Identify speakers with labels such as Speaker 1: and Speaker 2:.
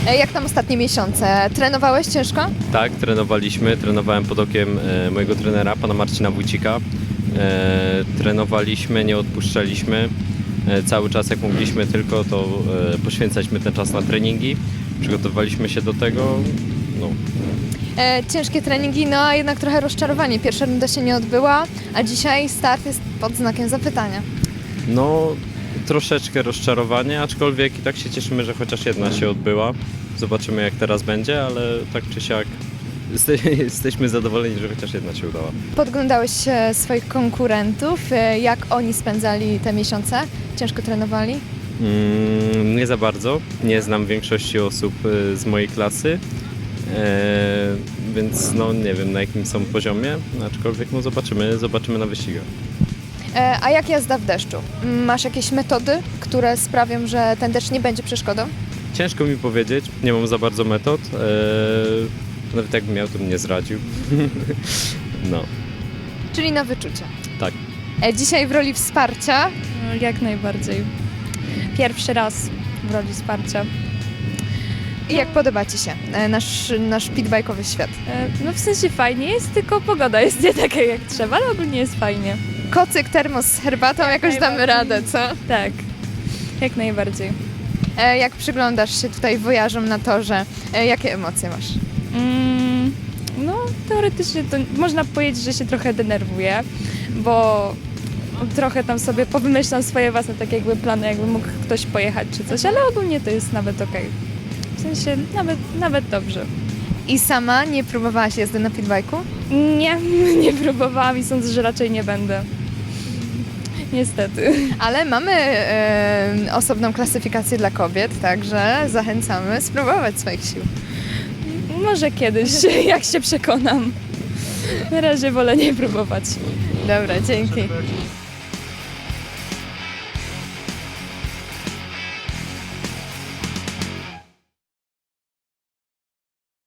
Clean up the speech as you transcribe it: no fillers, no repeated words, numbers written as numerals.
Speaker 1: Jak tam ostatnie miesiące? Trenowałeś ciężko?
Speaker 2: Tak, trenowałem pod okiem mojego trenera, pana Marcina Wójcika. Trenowaliśmy, nie odpuszczaliśmy. Cały czas jak mogliśmy tylko, to poświęcaliśmy ten czas na treningi. Przygotowaliśmy się do tego. No.
Speaker 1: Ciężkie treningi, no a jednak trochę rozczarowanie. Pierwsza runda się nie odbyła, a dzisiaj start jest pod znakiem zapytania.
Speaker 2: No, troszeczkę rozczarowanie, aczkolwiek i tak się cieszymy, że chociaż jedna się odbyła. Zobaczymy jak teraz będzie, ale tak czy siak jesteśmy zadowoleni, że chociaż jedna się udała.
Speaker 1: Podglądałeś swoich konkurentów, jak oni spędzali te miesiące? Ciężko trenowali?
Speaker 2: Nie za bardzo. Nie znam większości osób z mojej klasy, więc no nie wiem na jakim są poziomie, aczkolwiek no zobaczymy na wyścigach.
Speaker 1: A jak jazda w deszczu? Masz jakieś metody, które sprawią, że ten deszcz nie będzie przeszkodą?
Speaker 2: Ciężko mi powiedzieć, nie mam za bardzo metod. Nawet jakbym miał, to bym nie zradził. No,
Speaker 1: Czyli na wyczucie.
Speaker 2: tak.
Speaker 1: Dzisiaj w roli wsparcia.
Speaker 3: Jak najbardziej. Pierwszy raz w roli wsparcia.
Speaker 1: I jak podoba Ci się nasz pitbike'owy świat?
Speaker 3: No w sensie fajnie jest, tylko pogoda jest nie taka jak trzeba, ale ogólnie jest fajnie.
Speaker 1: Kocyk, termos z herbatą, jakoś damy
Speaker 3: najbardziej.
Speaker 1: radę, co?
Speaker 3: Tak, jak najbardziej.
Speaker 1: Jak przyglądasz się tutaj wojażom na torze, jakie emocje masz?
Speaker 3: No teoretycznie to można powiedzieć, że się trochę denerwuję, bo trochę tam sobie powymyślam swoje własne tak jakby plany, jakby mógł ktoś pojechać czy coś, ale ogólnie to jest nawet okej. W sensie nawet dobrze.
Speaker 1: I sama nie próbowałaś jazdy na pitbike'u?
Speaker 3: Nie próbowałam i sądzę, że raczej nie będę. Niestety.
Speaker 1: Ale mamy osobną klasyfikację dla kobiet, także zachęcamy spróbować swoich sił.
Speaker 3: Może kiedyś, jak się przekonam. Na razie wolę nie próbować.
Speaker 1: Dobra, dzięki.